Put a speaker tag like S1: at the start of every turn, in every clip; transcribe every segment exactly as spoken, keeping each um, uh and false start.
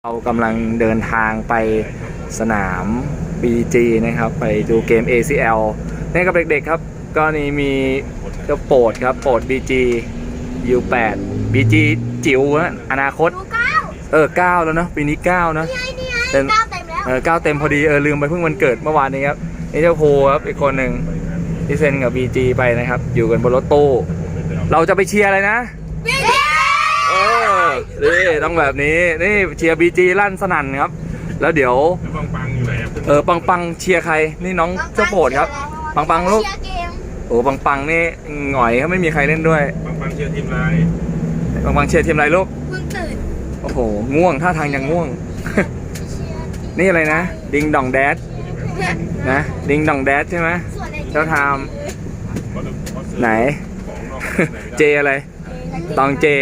S1: เรากำลังเดินทางไปสนาม บี จี นะครับไปดูเกม เอ ซี แอล นี่กับเด็กๆครับก็นี่มีเจ้าโปรดครับโปรด บี จี ยู แปด บี จี จิ๋วนะอนาคตเออเก้าแล้วเนาะปีนี้เก้านะเต็มเออเก้าเต็มพอดีเออลืมไปเพิ่งวันเกิดเมื่อวานนี้ครับนี่เจ้าโพครับอีกคนหนึ่งที่เซ็นกับ บี จี ไปนะครับอยู่กันบนรถตู้เราจะไปเชียร์อะไรนะเออนี่ต้องแบบนี้นี่เชียร์ บี จี ลั่นสนั่นครับแล้วเดี๋ยวเออปังปังเชียร์ใครนี่น้องเจ้าโปรดครับปังปังลูกโอ้ปังปังนี่หงอยเขาไม่มีใครเล่นด้วย
S2: ปังปังเชียร์ทีมไร
S1: ปังปังเชียร์ทีมไรลูก
S3: เพิ่งตื่น
S1: โอ้โหง่วงท่าทางยังง่วง นี่อะไรนะดิงดองแดดนะดิงดองแดดใช่ไหมเจ้าทามไหน เจอะไรตองเจ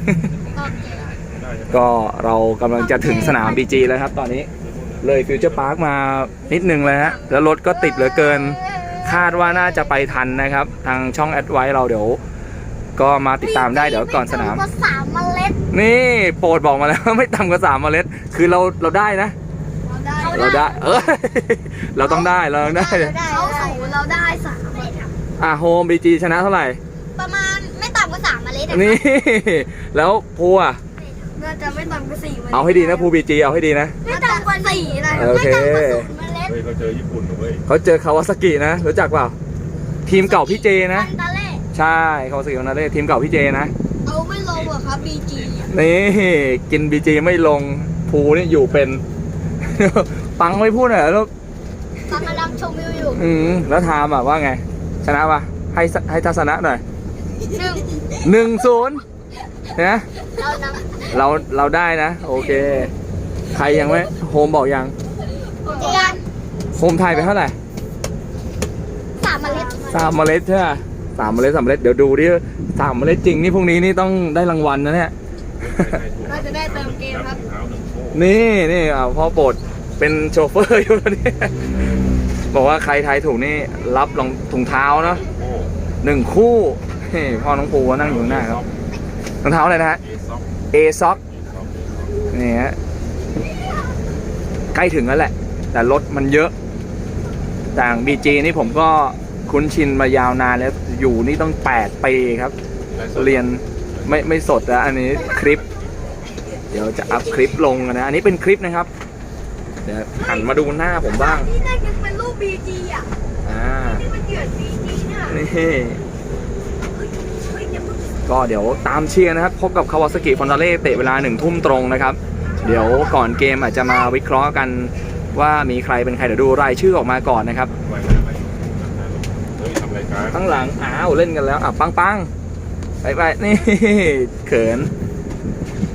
S1: ก็เรากำลังจะถึงสนาม บี จี แล้วครับตอนนี้เลยฟิวเจอร์พาร์คมานิดนึงเลยฮะแล้วรถก็ติดเหลือเกินคาดว่าน่าจะไปทันนะครับทางช่องแอดไว้เราเดี๋ยวก็มาติดตามได้เดี๋ยวก่อนสนาม
S3: สามเมล็ด
S1: นี่โปรดบอกมาแล้ว ไม่ต่ำกว่าสามเมล็ดคือเราเราได้นะเราได้เออเราต้องได้เราต้องได้
S3: เขาสูงเราได้สามเมล็ด
S1: อ่ะโฮม บี จี ชนะเท่าไหร่
S3: ประมาณไม่ต่ำกว่าสามเมล็ด
S1: นี่แล้วภูอ่ะ
S3: น่าจะไม่ต่ำกว่าสี่เมล็ด
S1: เอาให้ดีนะภู บี จี เอาให้ดีนะ
S3: ไม่ต่ำกว่าสี่นะ
S1: โอเค
S2: เขาเจอญี่ปุ่นเว้ย
S1: เขาเจอคาวาซากินะรู้จักเปล่าทีมเก่าพี่เจนะใช่คาวาซากินาเล่ทีมเก่าพี่เจนะ
S3: เอาไม่ลงเหรอครับ บี จี
S1: นี่กิน บี จี ไม่ลงภูนี่อยู่เป็นปังไม่พูดหน่อยลูก
S3: กำลังชมวิวอยู่
S1: อืมแล้วทามอ่ะว่าไงชนะป่ะให้ให้ทัศนะหน่อย
S3: หนึ่ง
S1: หนึ่งศูนย์นะ
S3: เรา
S1: เราเราได้นะโอเคใครยังไม่โฮมบอกยังโฮมไทยไปเท่าไหร่
S3: สามเมล็ด
S1: สามเมล็ดใช่ไหมสามเมล็ดสามเมล็ดเดี๋ยวดูดิสามเมล็ดจริงนี่พรุ่งนี้นี่ต้องได้รางวัลนะเนี่ย
S3: เราจะได้เติมเกมครับ
S1: นี่นี่อ่าพ่อโปรดเป็นโชเฟอร์อยู่นี่บอกว่าใครทายถูกนี่รับรองถุงเท้าเนาะหนึ่งคู่พ่อน้องปูนั่งอยู่หน้าครับรองเท้าอะไรนะฮะเอซ็อกนี่ฮะใกล้ถึงแล้วแหละแต่รถมันเยอะต่าง บี จี นี่ผมก็คุ้นชินมายาวนานแล้วอยู่นี่ต้องแปดปีครับเรียนไม่ไม่สดแล้วอันนี้คลิปเดี๋ยวจะอัพคลิปลงนะอันนี้เป็นคลิปนะครับเดี๋ยวหันมาดูหน้าผมบ้าง
S3: นี่น่าจะเป็นรูป บี จี อ่ะ
S1: อ่า
S3: ที่มันเกิด บี จี เนี่ย
S1: นี่ก็เดี๋ยวตามเชียร์นะครับพบกับคาวาซากิฟอนตาเล่เตะเวลาหนึ่งทุ่มตรงนะครับเดี๋ยวก่อนเกมอาจจะมาวิเคราะห์กันว่ามีใครเป็นใครเดี๋ยวดูรายชื่อออกมาก่อนนะครับข้างหลังอ้าวเล่นกันแล้วอ่ะปังปังไปไปนี่เขิน